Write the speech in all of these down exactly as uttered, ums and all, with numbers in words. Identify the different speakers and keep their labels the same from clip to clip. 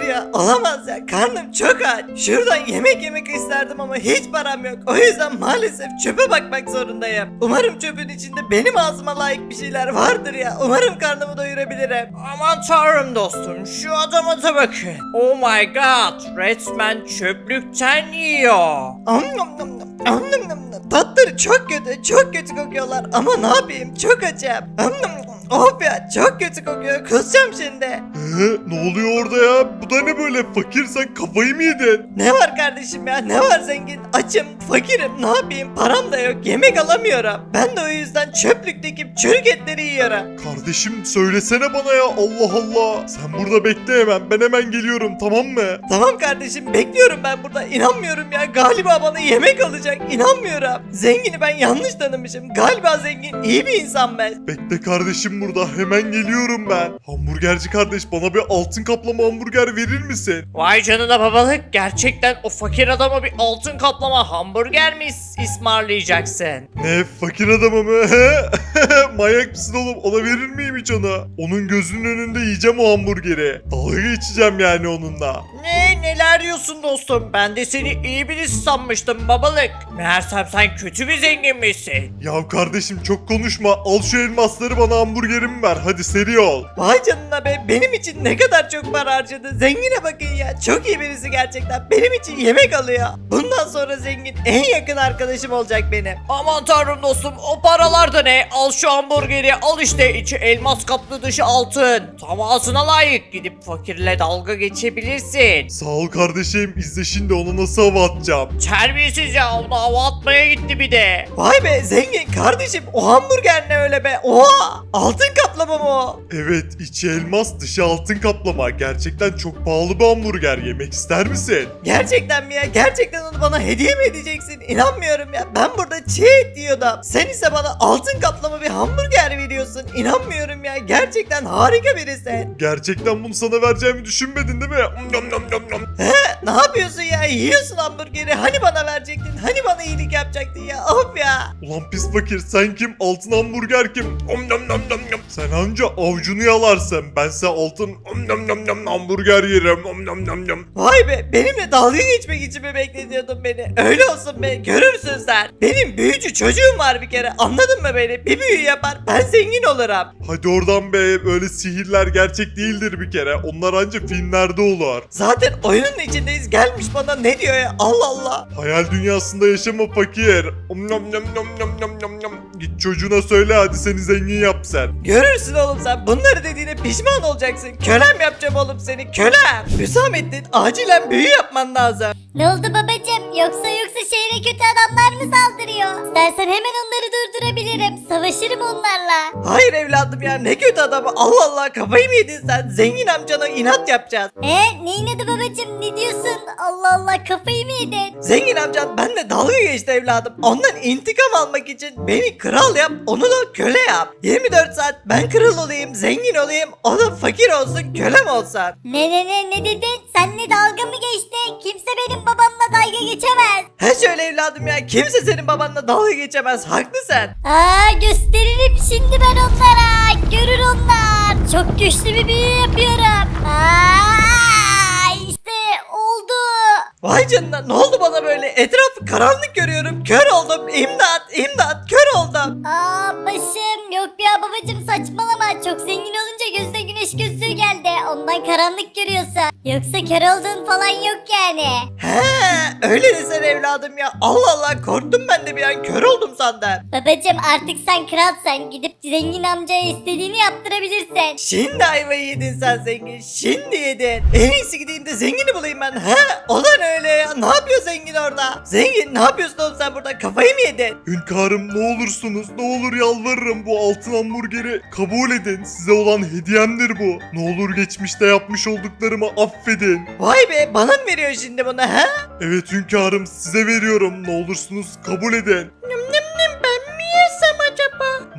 Speaker 1: Hayır ya, olamaz ya, karnım çok aç. Şuradan yemek yemek isterdim ama hiç param yok. O yüzden maalesef çöpe bakmak zorundayım. Umarım çöpün içinde benim ağzıma layık bir şeyler vardır ya. Umarım karnımı doyurabilirim. Aman tanrım dostum, şu adama da bakın. Oh my god, resmen çöplükten yiyor. Am nam nam nam. Am nam nam nam. Tatları çok kötü, çok kötü kokuyorlar ama ne yapayım, çok açım. Am nam nam. Of ya, çok kötü kokuyor, kusacağım şimdi.
Speaker 2: Ee, ne oluyor orada ya? Bu da ne böyle? Fakir, sen kafayı mı yedin?
Speaker 1: Ne var kardeşim ya, ne var zengin? Açım, fakirim, ne yapayım, param da yok, yemek alamıyorum. Ben de o yüzden çöplükteki çürük etleri yiyorum.
Speaker 2: Kardeşim söylesene bana ya, Allah Allah. Sen burada bekle hemen, ben hemen geliyorum, tamam mı?
Speaker 1: Tamam kardeşim, bekliyorum ben burada. İnanmıyorum ya, galiba bana yemek alacak, inanmıyorum. Zengini ben yanlış tanımışım. Galiba zengin iyi bir insan ben.
Speaker 2: Bekle kardeşim burada, hemen geliyorum ben. Hamburgerci kardeş, bana bir altın kaplama hamburger verir misin?
Speaker 1: Vay canına babalık, gerçekten o fakir adama bir altın kaplama hamburger mi ısmarlayacaksın?
Speaker 2: Ne, fakir adamı mı? Manyak mısın oğlum, ona verir miyim hiç onu? Onun gözünün önünde yiyeceğim o hamburgeri. Dalga geçeceğim yani onunla.
Speaker 1: Ne neler diyorsun dostum? Ben de seni iyi birisi sanmıştım babalık. Meğersem sen kötü bir zengin misin?
Speaker 2: Ya kardeşim çok konuşma, al şu elmasları bana, hamburgerimi ver, hadi seri ol.
Speaker 1: Vay canına be, benim için ne kadar çok para harcadı. Zengine bakın ya, çok iyi birisi gerçekten. Benim için yemek alıyor. Bundan sonra zengin en yakın arkadaşım olacak benim. Aman tanrım dostum, o paralar da ne? Al şu hamburgeri, al işte, içi elmas kaplı dışı altın. Tam ağzına layık, gidip fakirle dalga geçebilirsin.
Speaker 2: Sağ ol kardeşim, izle şimdi ona nasıl hava atacağım.
Speaker 1: Terbiyesiz ya, ona hava atmaya gitti bir de. Vay be zengin kardeşim, o hamburger ne öyle be? Oha, altın kaplama mı o?
Speaker 2: Evet, içi elmas dışı altın kaplama, gerçekten çok pahalı bir hamburger, yemek ister misin?
Speaker 1: Gerçekten mi ya? Gerçekten onu bana hediye mi edeceksin? İnanmıyorum ya. Ben burada çiğ et yiyordum. Sen ise bana altın kaplama bir hamburger veriyorsun. İnanmıyorum ya. Gerçekten harika birisin.
Speaker 2: Gerçekten bunu sana vereceğimi düşünmedin değil mi? Nom nom nom nom.
Speaker 1: He? Ne yapıyorsun ya? Yiyorsun hamburgeri. Hani bana verecektin? Hani bana iyilik yapacaktın ya? Of ya.
Speaker 2: Ulan pis fakir, sen kim? Altın hamburger kim? Om nom nom nom nom. Sen anca avucunu yalarsın, bense altın om nom nom nom hamburger yerim. Om nom nom nom.
Speaker 1: Vay be, benimle dalga geçmek için mi bekletiyordun beni? Öyle olsun be, görürsün sen. Benim büyücü çocuğum var bir kere, anladın mı beni? Bir büyü yapar, ben zengin olurum.
Speaker 2: Hadi oradan be, böyle sihirler gerçek değildir bir kere, onlar anca filmlerde olur.
Speaker 1: Zaten oyunun içindeyiz, gelmiş bana ne diyor ya? Allah Allah.
Speaker 2: Hayal dünyasında yaşama fakir. Om nom nom nom nom nom nom nom. Git çocuğuna söyle, hadi seni zengin yap sen.
Speaker 1: Görürsün oğlum sen, bunları dediğine pişman olacaksın. Kölem yapacağım oğlum seni, kölem. Hüsamettin, acilen büyü yapman lazım.
Speaker 3: Ne oldu babacım? Yoksa yoksa şehre kötü adamlar mı saldırıyor? İstersen hemen onları durdurabilirim. Savaşırım onlarla.
Speaker 1: Hayır evladım ya, ne kötü adamı, Allah Allah, kafayı mı yedin sen? Zengin amcana inat yapacağız.
Speaker 3: E neyin adı babacım? Ne diyorsun? Allah Allah, kafayı mı yedin?
Speaker 1: Zengin amcan benimle dalga geçti evladım. Ondan intikam almak için beni kral yap, onu da köle yap. yirmi dört saat ben kral olayım, zengin olayım, o da fakir olsun, kölem olsun.
Speaker 3: Ne ne ne ne dedin? Senle dalga mı geçti? Kimse benim babamla dalga geçemez.
Speaker 1: He şöyle evladım ya, kimse senin babanla dalga geçemez, haklısın.
Speaker 3: Aa, gösteririm şimdi ben onlara. Görür onlar. Çok güçlü bir büyü yapıyorum. Aa, işte oldu.
Speaker 1: Vay canına, ne oldu bana böyle? Etrafı karanlık görüyorum, kör oldum, imdat imdat, kör oldum.
Speaker 3: Aa, başım. Yok ya babacım, saçmalama. Çok zengin olunca gözüne güneş gözlüğü geldi. Ondan karanlık görüyorsun. Yoksa kör olduğun falan yok yani.
Speaker 1: He öyle desene evladım ya, Allah Allah, korktum ben de bir an, kör oldum sandım.
Speaker 3: Babacım, artık sen kralsan, gidip zengin amcaya istediğini yaptırabilirsin.
Speaker 1: Şimdi ayvayı yedin sen zengin, şimdi yedin. En iyisi gideyim de zengini bulayım ben. He o da ne öyle ya, ne yapıyor zengin orada? Zengin ne yapıyorsun oğlum sen burada, kafayı mı yedin?
Speaker 2: Hünkârım ne olursunuz, ne olur yalvarırım, bu altın hamburgeri kabul edin, size olan hediyemdir bu. Ne olur geçmişte yapmış olduklarımı affedin.
Speaker 1: Vay be, bana mı veriyor şimdi bunu he?
Speaker 2: Evet hünkârım, size veriyorum, ne olursunuz kabul edin.
Speaker 1: Ben mi yesem acaba?
Speaker 2: Ne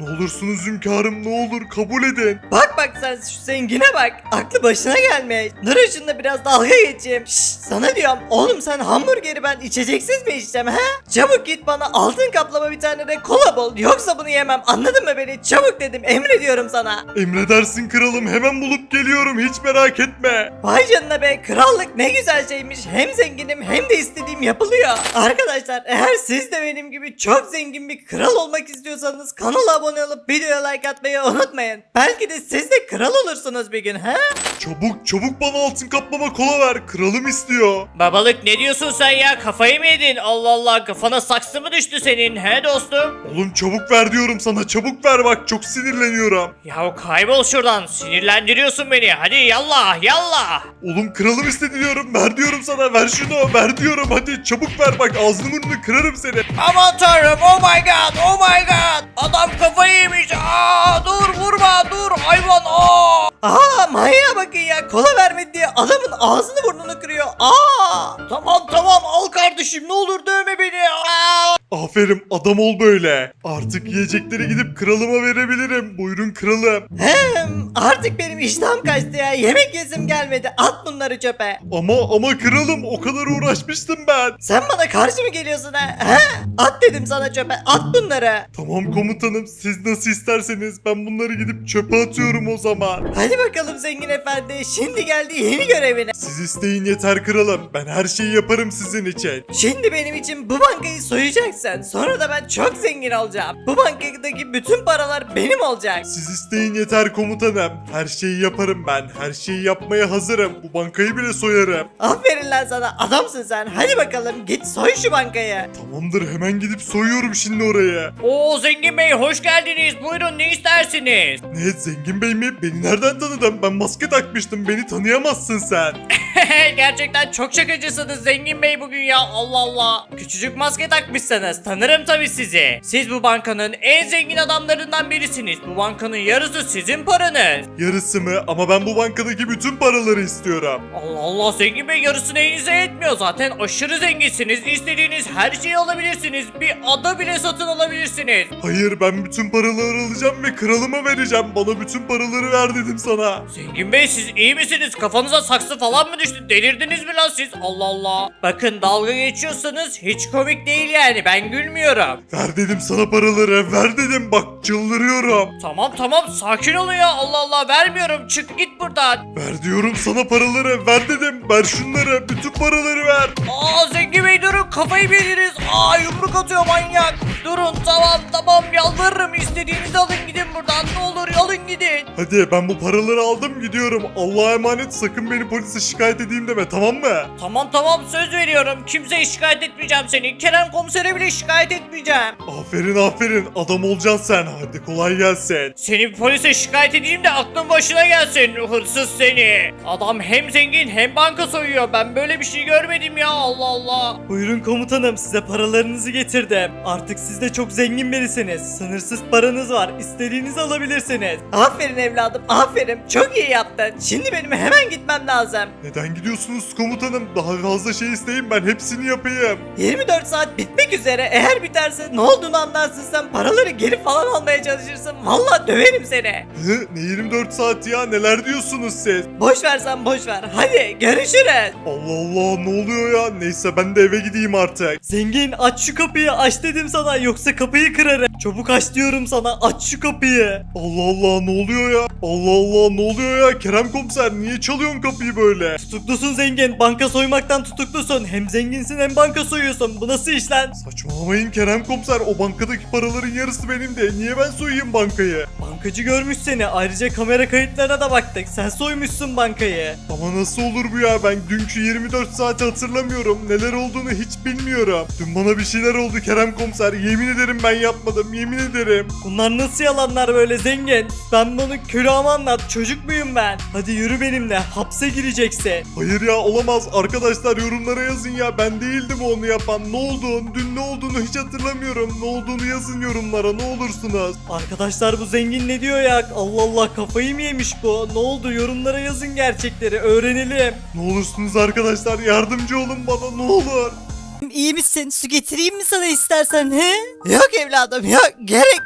Speaker 2: Ne olursunuz hünkârım, ne olur kabul edin.
Speaker 1: Bak bak sen şu zengine bak. Aklı başına gelmiş. Dur şununla biraz dalga geçeyim. Şşş sana diyorum. Oğlum sen hamburgeri ben içeceksiz mi içeceğim he? Çabuk git bana altın kaplama bir tane de kola bul. Yoksa bunu yemem. Anladın mı beni? Çabuk dedim. Emrediyorum sana.
Speaker 2: Emredersin kralım, hemen bulup geliyorum, hiç merak etme.
Speaker 1: Vay canına be, krallık ne güzel şeymiş. Hem zenginim hem de istediğim yapılıyor. Arkadaşlar eğer siz de benim gibi çok zengin bir kral olmak istiyorsanız kanala abone olup videoya like atmayı unutmayın. Belki de siz de kral olursunuz bir gün he?
Speaker 2: Çabuk çabuk bana altın kaplama kola ver, kralım istiyor.
Speaker 4: Babalık ne diyorsun sen ya? Kafayı mı yedin? Allah Allah, kafana saksı mı düştü senin he dostum?
Speaker 2: Oğlum çabuk ver diyorum sana, çabuk ver, bak çok sinirleniyorum.
Speaker 4: Ya kaybol şuradan, sinirlendiriyorsun beni. Hadi yallah yallah.
Speaker 2: Oğlum kralım istedi diyorum, ver diyorum sana, ver şunu, ver diyorum, hadi çabuk ver, bak ağzını burnunu kırarım seni.
Speaker 4: Aman tanrım, oh my god, oh my god. Adam kafayı yemiş. Aa, dur vurma, dur hayvan. Aa.
Speaker 1: Aa manyağa bakın ya, kola vermedi diye adamın ağzını burnunu kırıyor. Aa!
Speaker 4: Tamam tamam, al kardeşim, ne olur dövme beni. Aa.
Speaker 2: Aferin, adam ol böyle. Artık yiyecekleri gidip kralıma verebilirim. Buyurun kralım.
Speaker 1: Hem artık benim iştahım kaçtı ya, yemek yesim gelmedi, at bunları çöpe.
Speaker 2: Ama ama kralım, o kadar uğraşmıştım ben.
Speaker 1: Sen bana karşı mı geliyorsun ha? He? At dedim sana çöpe, at bunları.
Speaker 2: Tamam komutanım, siz nasıl isterseniz, ben bunları gidip çöpe atıyorum o zaman.
Speaker 1: Hadi bakalım zengin efendi, şimdi geldi yeni görevine.
Speaker 2: Siz isteyin yeter kralım, ben her şeyi yaparım sizin için.
Speaker 1: Şimdi benim için bu bankayı soyacaksın. Sonra da ben çok zengin olacağım. Bu bankadaki bütün paralar benim olacak.
Speaker 2: Siz isteyin yeter komutanım, her şeyi yaparım ben, her şeyi yapmaya hazırım, bu bankayı bile soyarım.
Speaker 1: Aferin lan sana, adamsın sen. Hadi bakalım git soy şu bankayı.
Speaker 2: Tamamdır, hemen gidip soyuyorum şimdi orayı.
Speaker 4: Oo zengin bey, hoş geldiniz. Buyurun, ne istersiniz?
Speaker 2: Ne, zengin bey mi? Beni nereden tanıdın? Ben maske takmıştım, beni tanıyamazsın sen.
Speaker 4: Gerçekten çok şakacısınız zengin bey bugün ya, Allah Allah. Küçücük maske takmışsınız, tanırım tabii sizi. Siz bu bankanın en zengin adamlarından birisiniz. Bu bankanın yarısı sizin paranız.
Speaker 2: Yarısı mı? Ama ben bu bankadaki bütün paraları istiyorum.
Speaker 4: Allah Allah zengin bey, yarısı neyinize yetmiyor, zaten aşırı zenginsiniz. İstediğiniz her şeyi alabilirsiniz. Bir ada bile satın alabilirsiniz.
Speaker 2: Hayır, ben bütün paraları alacağım ve kralıma vereceğim. Bana bütün paraları ver dedim sana.
Speaker 4: Zengin bey, siz iyi misiniz? Kafanıza saksı falan mı düştü? Delirdiniz mi lan siz? Allah Allah. Bakın, dalga geçiyorsanız hiç komik değil yani, ben gülmüyorum.
Speaker 2: Ver dedim sana paraları, ver dedim, bak çıldırıyorum.
Speaker 4: Tamam tamam, sakin olun ya, Allah Allah, vermiyorum, çık git buradan.
Speaker 2: Ver diyorum sana paraları, ver dedim, ver şunları, bütün paraları ver.
Speaker 4: Aa zengin bey, durun, kafayı mı yediniz? Aa, yumruk atıyor manyak. Durun, tamam tamam, yalvarırım, istediğinizi alın gidin buradan, ne olur alın gidin.
Speaker 2: Hadi, ben bu paraları aldım, gidiyorum. Allah'a emanet, sakın beni polise şikayet edeyim deme, tamam mı?
Speaker 4: Tamam tamam, söz veriyorum, kimseye şikayet etmeyeceğim seni. Kerem komisere bile şikayet etmeyeceğim.
Speaker 2: Aferin aferin, adam olacaksın sen, hadi kolay gelsin.
Speaker 4: Seni polise şikayet edeyim de aklın başına gelsin, hırsız seni. Adam hem zengin hem banka soyuyor, ben böyle bir şey görmedim ya, Allah Allah.
Speaker 1: Buyurun komutanım, size paralarınızı getirdim. Artık siz de çok zengin birisiniz. Sınırsız paranız var. İstediğinizi alabilirsiniz. Aferin evladım, aferin. Çok iyi yaptın. Şimdi benim hemen gitmem lazım.
Speaker 2: Neden gidiyorsunuz komutanım? Daha fazla şey isteyin, ben hepsini yapayım.
Speaker 1: yirmi dört saat bitmek üzere. Eğer biterse ne olduğunu anlarsın, sen paraları geri falan almaya çalışırsın. Vallahi döverim seni.
Speaker 2: Hı, ne yirmi dört saat ya, neler diyorsunuz siz?
Speaker 1: Boş ver sen, boş ver. Hadi görüşürüz.
Speaker 2: Allah Allah, ne oluyor ya? Neyse, ben de eve gideyim artık.
Speaker 1: Zengin, aç şu kapıyı, aç dedim sana, yoksa kapıyı kırarım. Çabuk aç diyorum sana, aç şu kapıyı.
Speaker 2: Allah Allah, ne oluyor ya? Allah Allah, ne oluyor ya? Kerem komiser, niye çalıyorsun kapıyı böyle?
Speaker 1: Tutuklusun zengin, banka soymaktan tutuklusun. Hem zenginsin hem banka soyuyorsun. Bu nasıl iş lan?
Speaker 2: Saçmalamayın Kerem komiser, o bankadaki paraların yarısı benim de. Niye ben soyayım bankayı?
Speaker 1: Bankacı görmüş seni. Ayrıca kamera kayıtlarına da baktık. Sen soymuşsun bankayı.
Speaker 2: Ama nasıl olur bu ya? Ben dünkü yirmi dört saati hatırlamıyorum. Neler olduğunu hiç bilmiyorum. Dün bana bir şeyler oldu Kerem komiser. Yemin ederim ben yapmadım. Yemin ederim.
Speaker 1: Bunlar nasıl yalanlar böyle zengin? Ben bunu külahıma anlat. Çocuk muyum ben? Hadi yürü benimle. Hapse gireceksin.
Speaker 2: Hayır ya, olamaz. Arkadaşlar yorumlara yazın ya. Ben değildim onu yapan. Ne oldu? Dün ne olduğunu hiç hatırlamıyorum. Ne olduğunu yazın yorumlara, ne olursunuz.
Speaker 1: Arkadaşlar bu zengin ne diyor ya? Allah Allah, kafayı mı yemiş bu? Ne oldu? Yorumlara yazın gerçekleri. Öğrenelim.
Speaker 2: Ne olursunuz arkadaşlar, yardımcı olun bana, ne olur.
Speaker 1: İyi misin? Su getireyim mi sana istersen he? Yok evladım yok. Gerek yok.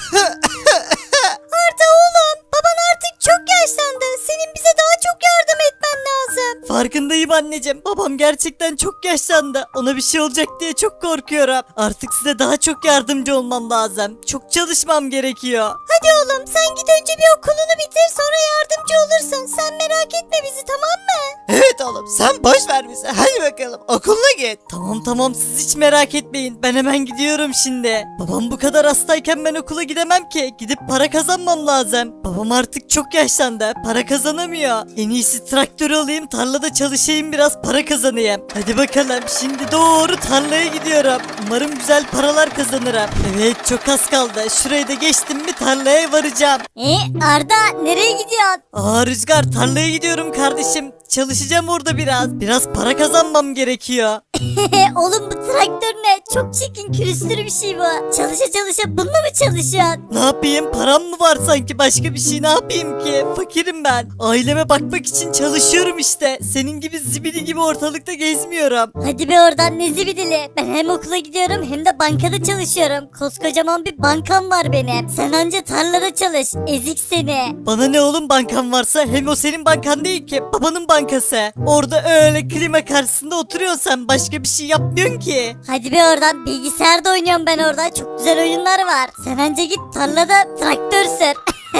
Speaker 3: Arda oğlum, baban artık çok yaşlandı. Senin bize daha çok yardım etmen lazım.
Speaker 1: Farkındayım anneciğim. Babam gerçekten çok yaşlandı. Ona bir şey olacak diye çok korkuyorum. Artık size daha çok yardımcı olmam lazım. Çok çalışmam gerekiyor.
Speaker 3: Hadi oğlum sen git önce bir okulunu bitir sonra yardımcı olursun. Sen merak etme bizi, tamam mı?
Speaker 1: Evet oğlum, sen boş ver bizi. Hadi bakalım okuluna git. Tamam tamam, siz hiç merak etmeyin. Ben hemen gidiyorum şimdi. Babam bu kadar hastayken ben okula gidemem ki. Gidip para kazanmam lazım. Babam artık çok yaşlandı. Para kazanamıyor. En iyisi traktör alayım, tarlada çalışayım, biraz para kazanayım. Hadi bakalım, şimdi doğru tarlaya gidiyorum. Umarım güzel paralar kazanırım. Evet, çok az kaldı. Şurayı da geçtim mi tarlaya varacağım.
Speaker 3: E Arda nereye gidiyorsun?
Speaker 1: Aa Rüzgar, tarlaya gidiyorum kardeşim. Çalışacağım orada biraz. Biraz para kazanmam gerekiyor.
Speaker 3: Oğlum bu traktör ne? Çok çirkin külüstür bir şey bu. Çalışa çalışa bununla mı çalışıyorsun?
Speaker 1: Ne yapayım? Param mı var sanki? Başka bir şey ne yapayım ki? Fakirim ben. Aileme bakmak için çalışıyorum işte. Senin gibi zibidi gibi ortalıkta gezmiyorum.
Speaker 3: Hadi be oradan ne zibidili. Ben hem okula gidiyorum hem de bankada çalışıyorum. Koskocaman bir bankam var benim. Sen anca tarlada çalış. Ezik seni.
Speaker 1: Bana ne oğlum, bankan varsa? Hem o senin bankan değil ki. Babanın bankası. Orada öyle klima karşısında oturuyorsun sen. Başka bir şey yapmıyorsun ki.
Speaker 3: Hadi be oradan, bilgisayarda oynuyorum ben orada. Çok güzel oyunlar var. Sen anca git tarlada traktör sür.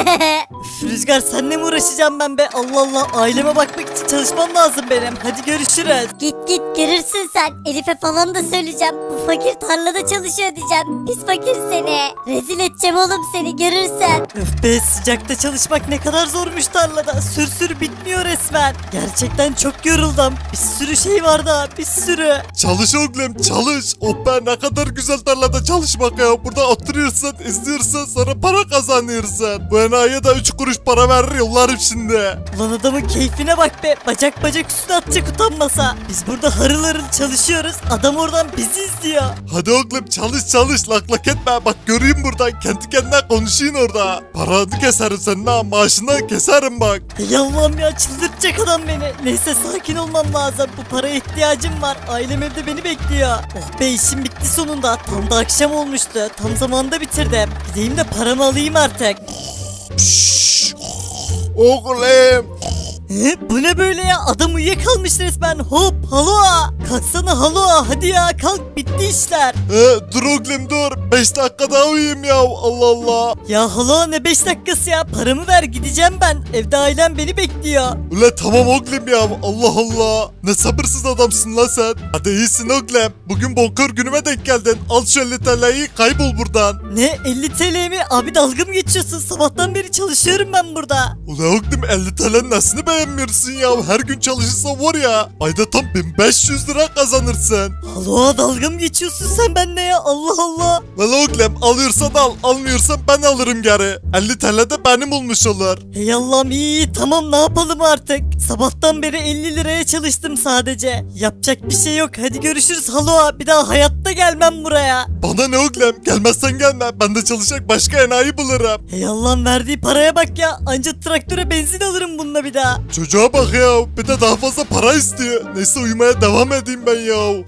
Speaker 1: Üf, Rüzgar, seninle mi uğraşacağım ben be? Allah Allah, aileme bakmak için çalışmam lazım benim. Hadi görüşürüz.
Speaker 3: Git git görürsün sen. Elif'e falan da söyleyeceğim. Bu fakir tarlada çalışıyor diyeceğim. Pis fakir seni. Rezil edeceğim oğlum seni, görürsen.
Speaker 1: Öf be, sıcakta çalışmak ne kadar zormuş tarlada. Sür sür bitmiyor resmen. Gerçekten çok yoruldum. Bir sürü şey var daha, bir sürü.
Speaker 2: Çalış oğlum çalış. Oh be, ne kadar güzel tarlada çalışmak ya. Burada oturuyorsun, izliyorsun, sonra para kazanıyorsun. Bu enayiye de üç kuruş para verir yollarım şimdi.
Speaker 1: Ulan adamın keyfine bak be. Bacak bacak üstüne atacak utanmasa. Biz burada harıl harıl çalışıyoruz. Adam oradan bizi izliyor.
Speaker 2: Hadi oğlum çalış çalış, lak lak etme. Bak göreyim buradan, kendi kendine konuşayım orada. Paranı keserim senin ha, maaşını keserim bak.
Speaker 1: Ey Allah'ım ya, çıldırtacak adam beni. Neyse, sakin olmam lazım. Bu paraya ihtiyacım var. Ailem evde beni bekliyor. Oh be, işim bitti sonunda. Tam da akşam olmuştu. Tam zamanında bitirdim. Gideyim de paramı alayım artık.
Speaker 2: Oğlum.
Speaker 1: He, bu ne böyle ya? Adam uyuyakalmış resmen. Hop halo. Kalksana halo. Hadi ya kalk, bitti işler.
Speaker 2: He, dur oğlum dur. beş dakika daha uyuyayım ya. Allah Allah.
Speaker 1: Ya halo, ne beş dakikası ya? Paramı ver, gideceğim ben. Evde ailem beni bekliyor.
Speaker 2: Ula tamam oğlum ya. Allah Allah. Ne sabırsız adamsın lan sen. Hadi iyisin oğlum. Bugün bonkör günüme denk geldin. Al şu elli T L'yi, kaybol buradan.
Speaker 1: Ne, elli T L mi? Abi dalga mı geçiyorsun? Sabahtan beri çalışıyorum ben burada.
Speaker 2: Ula oğlum elli T L'nin nesini beğenmiyorsun ya? Her gün çalışırsan var ya, ayda tam bin beş yüz lira kazanırsın.
Speaker 1: Halo, dalga mı geçiyorsun sen benimle ya? Allah Allah.
Speaker 2: Valla oğlum alıyorsan al, almıyorsan ben alırım geri. elli T L de benim olmuş olur.
Speaker 1: Hey Allah'ım, iyi iyi, tamam, ne yapalım artık? Sabahtan beri elli liraya çalıştım sadece. Yapacak bir şey yok. Hadi görüşürüz halo. Bir daha hayatta gelmem buraya.
Speaker 2: Bana ne oğlum, gelmezsen gelme, ben de çalışacak başka enayi bulurum.
Speaker 1: Hey Allah'ım, verdiği paraya bak ya. Anca traktöre benzin alırım bununla bir daha.
Speaker 2: Çocuğa bak ya, bir de daha fazla para istiyor. Neyse uyumaya devam edeyim ben ya.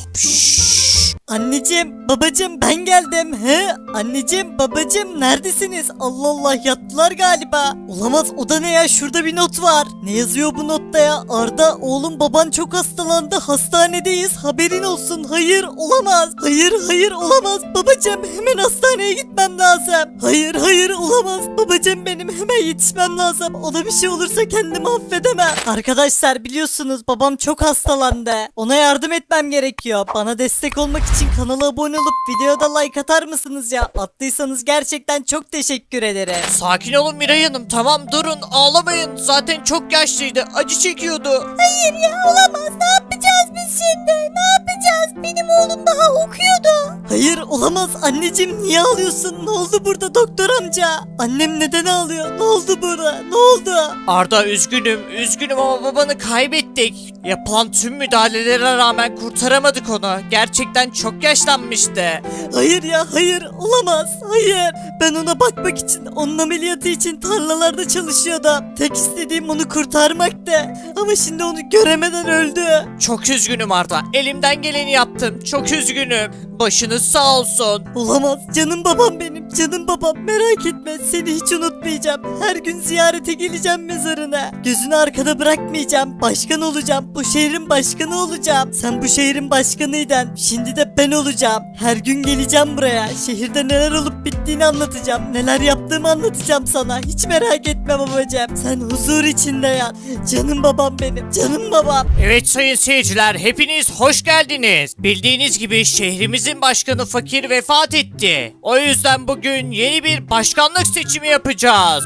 Speaker 1: Anneciğim, babacığım, ben geldim. He? Anneciğim, babacığım, neredesiniz? Allah Allah, yattılar galiba. Olamaz, o da ne ya? Şurada bir not var. Ne yazıyor bu notta ya? Arda, oğlum, baban çok hastalandı. Hastanedeyiz. Haberin olsun. Hayır, olamaz. Hayır, hayır, olamaz. Babacığım, hemen hastaneye gitmem lazım. Hayır, hayır, olamaz. Babacığım benim, hemen yetişmem lazım. Ona bir şey olursa kendimi affedemem. Arkadaşlar, biliyorsunuz babam çok hastalandı. Ona yardım etmem gerekiyor. Bana destek olmak için kanala abone olup videoya da like atar mısınız ya? Attıysanız gerçekten çok teşekkür ederim.
Speaker 4: Sakin olun Miray Hanım, tamam durun, ağlamayın. Zaten çok yaşlıydı, acı çekiyordu.
Speaker 3: Hayır ya, olamaz. Ne yapacağız biz şimdi? Ne yapacağız? Benim oğlum daha okuyordu.
Speaker 1: Hayır, olamaz. Anneciğim, niye ağlıyorsun? Ne oldu burada doktor amca? Annem neden ağlıyor? Ne oldu burada? Ne oldu?
Speaker 4: Arda, üzgünüm, üzgünüm ama babanı kaybettik. Yapılan tüm müdahalelere rağmen kurtaramadık onu. Gerçekten çok yaşlanmıştı.
Speaker 1: Hayır ya, hayır, olamaz, hayır. Ben ona bakmak için, onun ameliyatı için tarlalarda çalışıyordum. Tek istediğim onu kurtarmaktı. Ama şimdi onu göremeden öldü.
Speaker 4: Çok üzgünüm Arda. Elimden geleni yaptım. Çok üzgünüm. Başınız sağ olsun. musun?
Speaker 1: Olamaz. Canım babam benim. Canım babam. Merak etme. Seni hiç unutmayacağım. Her gün ziyarete geleceğim mezarına. Gözünü arkada bırakmayacağım. Başkan olacağım. Bu şehrin başkanı olacağım. Sen bu şehrin başkanıydın. Şimdi de ben olacağım. Her gün geleceğim buraya. Şehirde neler olup bittiğini anlatacağım. Neler yaptığımı anlatacağım sana. Hiç merak etme babacığım. Sen huzur içinde yat. Canım babam benim. Canım babam.
Speaker 4: Evet sayın seyirciler, hepiniz hoş geldiniz. Bildiğiniz gibi şehrimizin başkanı Fakir vefat etti. O yüzden bugün yeni bir başkanlık seçimi yapacağız.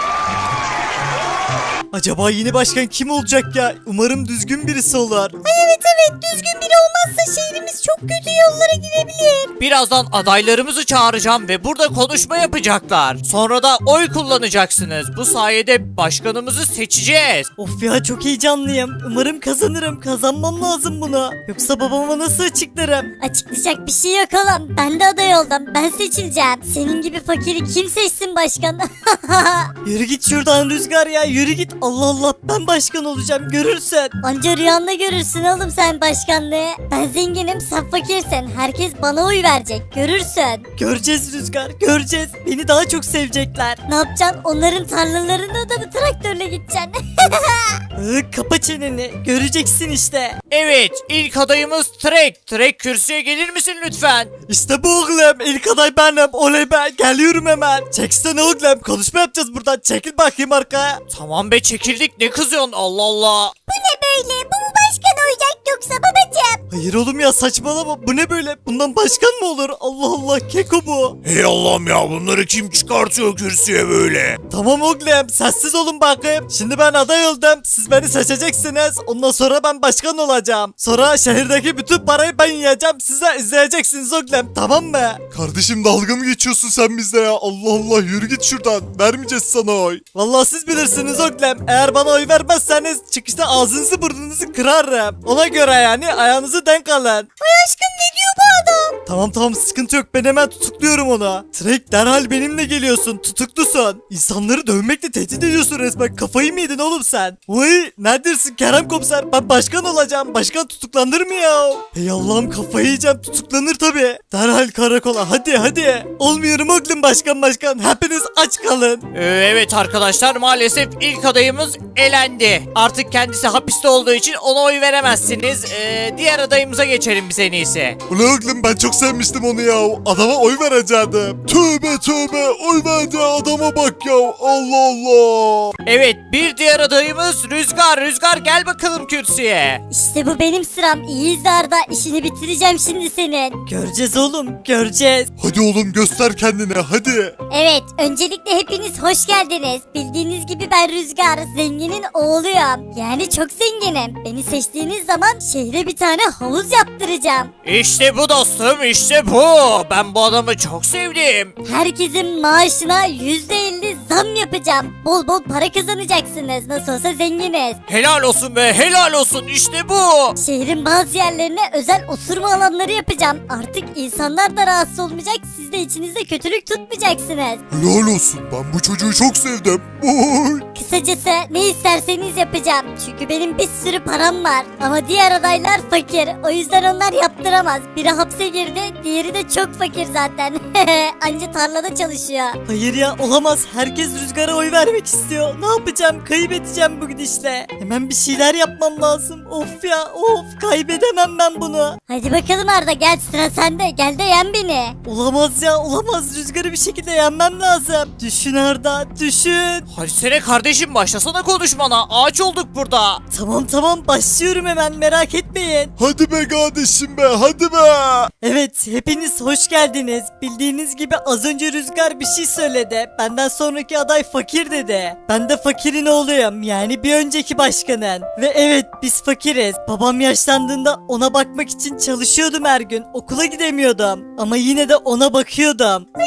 Speaker 1: Acaba yeni başkan kim olacak ya? Umarım düzgün birisi olur.
Speaker 3: Evet evet düzgün biri olmazsa şehrimiz çok kötü yollara girebilir.
Speaker 4: Birazdan adaylarımızı çağıracağım ve burada konuşma yapacaklar. Sonra da oy kullanacaksınız. Bu sayede başkanımızı seçeceğiz.
Speaker 1: Of ya çok heyecanlıyım. Umarım kazanırım. Kazanmam lazım bunu. Yoksa babama nasıl açıklarım?
Speaker 3: Açıklayacak bir şey yok oğlum. Ben de aday oldum. Ben seçileceğim. Senin gibi fakiri kim seçsin başkan?
Speaker 1: Yürü git şuradan Rüzgar ya. Yürü git. Allah Allah ben başkan olacağım. Görürsün.
Speaker 3: Anca rüyanda görürsün oğlum sen başkanlığı. Ben zenginim sen fakirsin. Herkes bana oy verecek. Görürsün.
Speaker 1: Göreceğiz Rüzgar. Göreceğiz. Beni daha çok sevecekler.
Speaker 3: Ne yapacaksın? Onların tarlalarına da mı traktörle gideceksin?
Speaker 1: Iı, kapa çeneni. Göreceksin işte.
Speaker 4: Evet, ilk adayımız Trek. Trek kürsüye gelir misin lütfen?
Speaker 1: İşte bu oğlum. İlk aday benim. Oley be. Geliyorum hemen. Çeksene oğlum. Konuşma yapacağız buradan. Çekil bakayım arkaya.
Speaker 4: Tamam be, çekildik, ne kızıyorsun, Allah Allah.
Speaker 3: Bu ne böyle? Bu mu başkan olacak yoksa babacığım?
Speaker 1: Hayır oğlum ya saçmalama. Bu ne böyle? Bundan başkan mı olur? Allah Allah. Keko bu.
Speaker 2: Hey Allah'ım ya, bunları kim çıkartıyor kürsüye böyle?
Speaker 1: Tamam oğlum sessiz olun bakayım. Şimdi ben aday oldum. Siz beni seçeceksiniz. Ondan sonra ben başkan olacağım. Sonra şehirdeki bütün parayı ben yiyeceğim. Siz de izleyeceksiniz oğlum. Tamam mı?
Speaker 2: Kardeşim dalga mı geçiyorsun sen bizle ya? Allah Allah, yürü git şuradan. Vermeyeceğiz sana oy.
Speaker 1: Vallahi siz bilirsiniz oğlum. Eğer bana oy vermezseniz çıkışta ağzınızı burnunuzu kırarım. Ona göre yani ayağınızı denk alın.
Speaker 3: Ay aşkım ne diyor bu adam?
Speaker 1: Tamam tamam sıkıntı yok. Ben hemen tutukluyorum onu. Trek derhal benimle geliyorsun. Tutuklusun. İnsanları dövmekle tehdit ediyorsun resmen. Kafayı mı yedin oğlum sen? Vay neredesin Kerem komiser? Ben başkan olacağım. Başkan tutuklanır mı ya? Hey Allah'ım kafayı yiyeceğim. Tutuklanır tabii. Derhal karakola. Hadi hadi. Olmuyorum oğlum başkan başkan. Hepiniz aç kalın.
Speaker 4: Ee, evet arkadaşlar, maalesef ilk adayımız elendi. Artık kendisi hapiste olduğu için ona oy veremezsiniz. Ee, diğer adayımıza geçelim biz en iyisi.
Speaker 2: Ulan oğlum ben çok sevmiştim onu ya. Adama oy verecektim. Tövbe tövbe, oy verdi adama bak ya. Allah Allah.
Speaker 4: Evet, bir diğer adayımız Rüzgar. Rüzgar gel bakalım kürsüye.
Speaker 3: İşte bu benim sıram. İyi izle Arda. İşini bitireceğim şimdi senin.
Speaker 1: Göreceğiz oğlum. Göreceğiz.
Speaker 2: Hadi oğlum göster kendini hadi.
Speaker 3: Evet, öncelikle hepiniz hoş geldiniz. Bildiğiniz gibi ben Rüzgar, zenginin oğluyum. Yani çok zenginim. Beni seçtiğiniz zaman şehre bir tane havuz yaptıracağım.
Speaker 4: İşte bu dostum, işte bu. Ben bu adamı çok sevdim.
Speaker 3: Herkesin maaşına yüzde elli zam yapacağım. Bol bol para kazanacaksınız. Nasıl olsa zenginiz.
Speaker 4: Helal olsun be, helal olsun, işte bu.
Speaker 3: Şehrin bazı yerlerine özel osurma alanları yapacağım. Artık insanlar da rahatsız olmayacak. Siz de içinizde kötülük tutmayacaksınız.
Speaker 2: Helal olsun, ben bu çocuğu çok sevdim. Oy.
Speaker 3: Kısacası ne isterseniz yapacağım. Çünkü benim bir sürü param var. Ama diğer adaylar fakir. O yüzden onlar yaptıramaz. Biri hapse girdi, diğeri de çok fakir zaten. Anca tarlada çalışıyor.
Speaker 1: Hayır ya olamaz. Herkes Rüzgar'a oy vermek istiyor. Ne yapacağım? Kaybedeceğim bu gidişle. Hemen bir şeyler yapmam lazım. Of ya of kaybedemem ben bunu.
Speaker 3: Hadi bakalım Arda gel sıra sende. Gel de yen beni.
Speaker 1: Olamaz ya olamaz. Rüzgar'ı bir şekilde yenmem lazım. Düşün Arda düşün.
Speaker 4: Hadi sene kardeşim, başlasana konuşmana. Ağaç olduk burada.
Speaker 1: Tamam tamam başlıyorum hemen merak etmeyin.
Speaker 2: Hadi be kardeşim be, hadi be.
Speaker 1: Evet hepiniz hoş geldiniz. Bildiğiniz gibi az önce Rüzgar bir şey söyledi. Benden sonraki aday fakir dedi. Ben de fakirin oğluyum yani bir önceki başkanın. Ve evet biz fakiriz. Babam yaşlandığında ona bakmak için çalışıyordum her gün. Okula gidemiyordum. Ama yine de ona bakıyordum.
Speaker 3: Ay inanmıyorum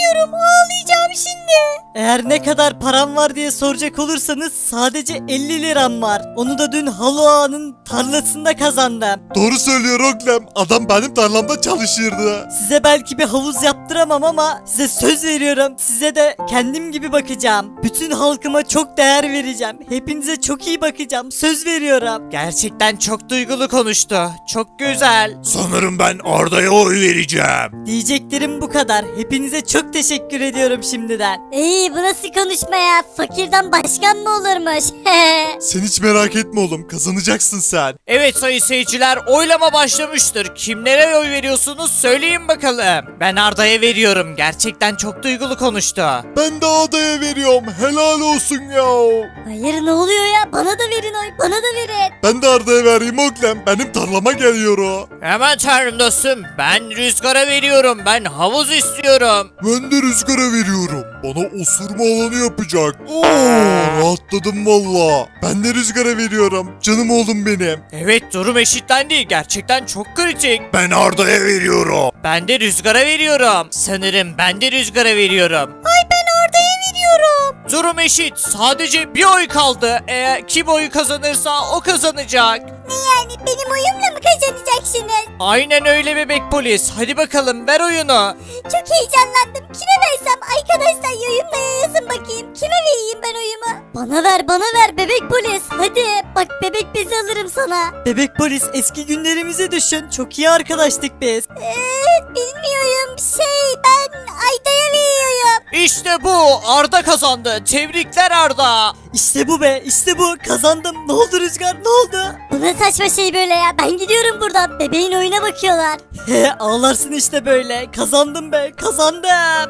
Speaker 3: istemiyorum. Ağlayacağım şimdi.
Speaker 1: Eğer ne kadar param var diye soracak olursanız sadece elli liram var. Onu da dün Halo Ağa'nın tarlasında kazandım.
Speaker 2: Doğru söylüyor oğlum. Adam benim tarlamda çalışırdı.
Speaker 1: Size belki bir havuz yaptıramam ama size söz veriyorum. Size de kendim gibi bakacağım. Bütün halkıma çok değer vereceğim. Hepinize çok iyi bakacağım. Söz veriyorum.
Speaker 4: Gerçekten çok duygulu konuştu. Çok güzel.
Speaker 2: Sanırım ben Arda'ya oy vereceğim.
Speaker 1: Diyeceklerim bu kadar. Hepinize çok teşekkür ediyorum şimdiden.
Speaker 3: İyi bu nasıl konuşma ya? Fakirden başkan mı olurmuş?
Speaker 2: Sen hiç merak etme oğlum, kazanacaksın sen.
Speaker 4: Evet sayın seyirciler, oylama başlamıştır. Kimlere oy veriyorsunuz söyleyin bakalım. Ben Arda'ya veriyorum. Gerçekten çok duygulu konuştu.
Speaker 2: Ben de Arda'ya veriyorum, helal olsun ya.
Speaker 3: Hayır ne oluyor ya? Bana da verin oy. Bana da verin.
Speaker 2: Ben de Arda'ya vereyim oğlum, benim tarlama geliyor o.
Speaker 4: Hemen tanrım dostum. Ben Rüzgar'a veriyorum. Ben havuz istiyorum.
Speaker 2: Ben de Rüzgar'a veriyorum. Bana osurma alanı yapacak. Oo, rahatladım valla. Ben de Rüzgar'a veriyorum. Canım oğlum benim.
Speaker 4: Evet durum eşitlendi. Gerçekten çok kritik.
Speaker 2: Ben Arda'ya veriyorum.
Speaker 4: Ben de Rüzgar'a veriyorum. Sanırım ben de Rüzgar'a veriyorum.
Speaker 3: Ay ben Arda'ya veriyorum.
Speaker 4: Durum eşit. Sadece bir oy kaldı. Eğer kim oyu kazanırsa o kazanacak.
Speaker 3: Ne yani? Benim oyumla mı kazanacaksınız?
Speaker 4: Aynen öyle bebek polis. Hadi bakalım ver oyunu.
Speaker 3: Çok heyecanlandım. Kime versem? Arkadaşlar yorumlara yazın bakayım. Kime vereyim ben oyumu? Bana ver bana ver bebek polis. Hadi bak bebek bezi alırım sana.
Speaker 1: Bebek polis eski günlerimizi düşün. Çok iyi arkadaştık biz.
Speaker 3: Ee, bilmiyorum şey ben Ayda'ya veriyorum.
Speaker 4: İşte bu. Arda kazandı. Tebrikler Arda.
Speaker 1: İşte bu be, işte bu. Kazandım. Ne oldu Rüzgar, ne oldu?
Speaker 3: Bu ne saçma şey böyle ya. Ben gidiyorum buradan. Bebeğin oyuna bakıyorlar.
Speaker 1: He, ağlarsın işte böyle. Kazandım be, kazandım.